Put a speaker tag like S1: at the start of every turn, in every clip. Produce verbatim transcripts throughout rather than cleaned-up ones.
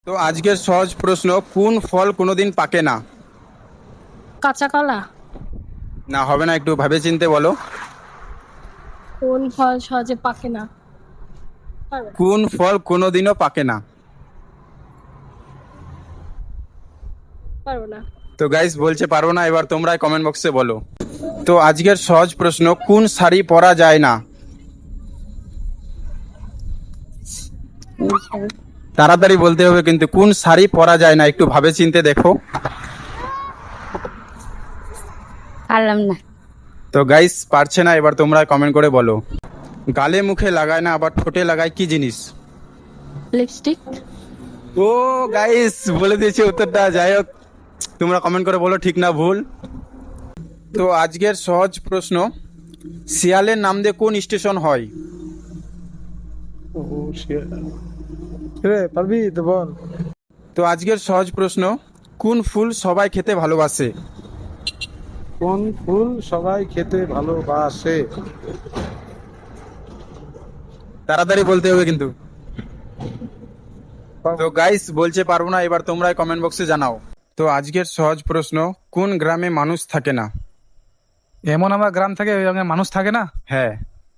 S1: তো আজকের সহজ প্রশ্ন, কোন ফল কোনোদিন পাকে না?
S2: কাঁচা কলা।
S1: না, হবে না, একটু ভাবে চিনতে বলো।
S2: কোন ফল সহজে পাকে না? পারবে না।
S1: কোন ফল কোনোদিনও পাকে না?
S2: পারবো না।
S1: তো গাইস বলছে পারবো না, এবার তোমরা কমেন্ট বক্সে বলো। তো আজকের সহজ প্রশ্ন, কোন শাড়ি পরা যায় না? তাড়াতাড়ি বলতে হবে কিন্তু, কোন শাড়ি পরা যায় না, একটু ভাবে চিনতে দেখো।
S2: পারলাম না।
S1: তো গাইস পারছে না, এবার তোমরা কমেন্ট করে বলো। গালে মুখে লাগায় না, আবার ঠোঁটে লাগায়, কি জিনিস?
S2: লিপস্টিক।
S1: ও গাইস বলে দিয়েছে উত্তরটা। যাই হোক, তোমরা কমেন্ট করে বলো ঠিক না ভুল। তো আজকের সহজ প্রশ্ন, শিয়ালের নাম দিয়ে কোন স্টেশন হয়?
S3: ও শিট রে, পারবি তো বল।
S1: তো আজকের সহজ প্রশ্ন, কোন ফুল সবাই খেতে ভালোবাসে?
S3: কোন ফুল সবাই খেতে ভালোবাসে?
S1: তাড়াতাড়ি বলতে হবে কিন্তু। তো গাইস বলছে পারবো না, এবার তোমরাই কমেন্ট বক্সে জানাও। তো আজকের সহজ প্রশ্ন, কোন গ্রামে মানুষ থাকে না?
S3: এমন আমার গ্রাম থেকে ওই গ্রামে মানুষ থাকে না?
S1: হ্যাঁ।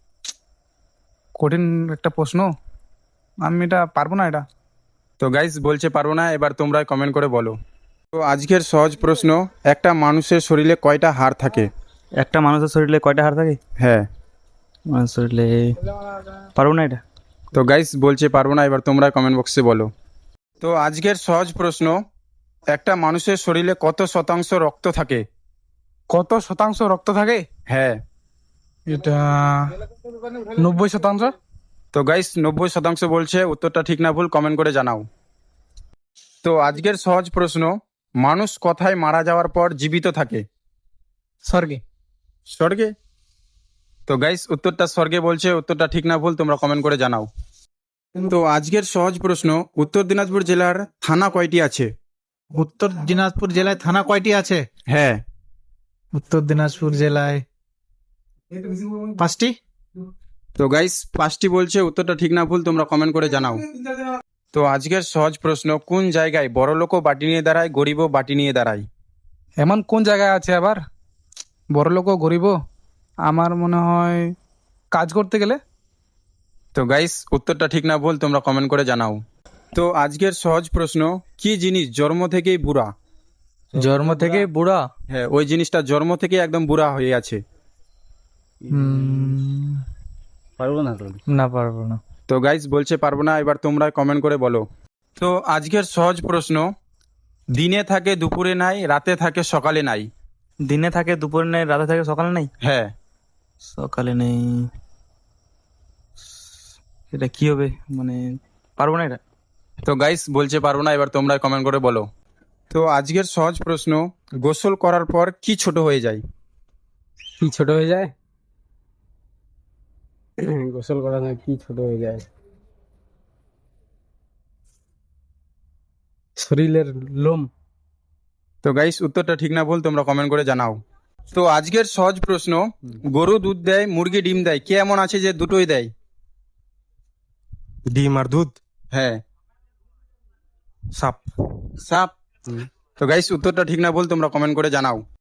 S3: কঠিন একটা প্রশ্ন, আমি এটা পারবো না এটা।
S1: তো গাইস বলছে পারবো না, এবার তোমরাই কমেন্ট করে বলো। তো আজকের সহজ প্রশ্ন, একটা মানুষের শরীরে কয়টা হাড় থাকে?
S4: একটা মানুষের শরীরে কয়টা হাড় থাকে?
S1: হ্যাঁ।
S4: মানুষের শরীরে পারবো না এটা।
S1: তো গাইস বলছে পারবো না, এবার তোমরা কমেন্ট বক্সে বলো। তো আজকের সহজ প্রশ্ন, একটা মানুষের শরীরে কত শতাংশ রক্ত থাকে?
S3: কত শতাংশ রক্ত থাকে?
S1: হ্যাঁ।
S3: এটা নব্বই শতাংশ।
S1: তো গাইস নব্বই শতাংশ বলছে, উত্তরটা ঠিক না ভুল কমেন্ট করে জানাও। তো আজকের সহজ প্রশ্ন, মানুষ কোথায় মারা যাওয়ার পর জীবিত থাকে?
S3: স্বর্গে।
S1: স্বর্গে। তো গাইস উত্তরটা স্বর্গে বলছে, উত্তরটা ঠিক না ভুল তোমরা কমেন্ট করে জানাও। তো আজকের সহজ প্রশ্ন, উত্তর দিনাজপুর জেলার থানা কয়টি আছে?
S5: উত্তর দিনাজপুর জেলায় থানা কয়টি আছে?
S1: হ্যাঁ।
S5: উত্তর দিনাজপুর জেলায় পাঁচটি।
S1: তো গাইস পাঁচটি বলছে, উত্তরটা ঠিক না ভুল তোমরা কমেন্ট করে জানাও। তো আজকের সহজ প্রশ্ন, কোন জায়গায় বড় লোকও বাটি নিয়ে দাঁড়ায়, গরিবও বাটি নিয়ে দাঁড়ায়?
S3: এমন কোন জায়গায় আছে আবার? বড় লোকও গরিব, আমার মনে হয় কাজ করতে গেলে।
S1: তো গাইস উত্তরটা ঠিক না ভুল তোমরা কমেন্ট করে জানাও। তো আজকের সহজ প্রশ্ন, কি জিনিস জন্ম থেকেই বুড়া?
S4: জন্ম থেকে বুড়া?
S1: হ্যাঁ, ওই জিনিসটা জন্ম থেকে একদম বুড়া হয়ে আছে।
S4: হুম,
S5: পারবো না তো।
S4: না পারবো না।
S1: তো গাইস বলছে পারবো না, এবার তোমরা কমেন্ট করে বলো। তো আজকের সহজ প্রশ্ন, দিনে থাকে দুপুরে নাই, রাতে থাকে সকালে নাই।
S4: দিনে থাকে দুপুরে নেই, রাতে থাকে সকালে নেই।
S1: হ্যাঁ।
S4: সকালে নেই, এটা কি হবে মানে? পারবো না এটা।
S1: তো গাইস বলছে পারবো না, এবার তোমরা কমেন্ট করে বলো। তো আজকের সহজ প্রশ্ন, গোসল করার পর কি ছোট হয়ে যায়?
S6: কি ছোট হয়ে যায়? গোসল করা না, কি ছোট হয়ে যায়? শরীরের লোম।
S1: তো গাইস উত্তরটা ঠিক না ভুল তোমরা কমেন্ট করে জানাও। তো আজকের সহজ প্রশ্ন, গরু দুধ দেয়, মুরগি ডিম দেয়, কে এমন আছে যে দুটোই দেয়?
S6: ডিম আর দুধ।
S1: হ্যাঁ।
S6: সাপ।
S1: সাপ। তো গাইস উত্তরটা ঠিক না ভুল তোমরা কমেন্ট করে জানাও।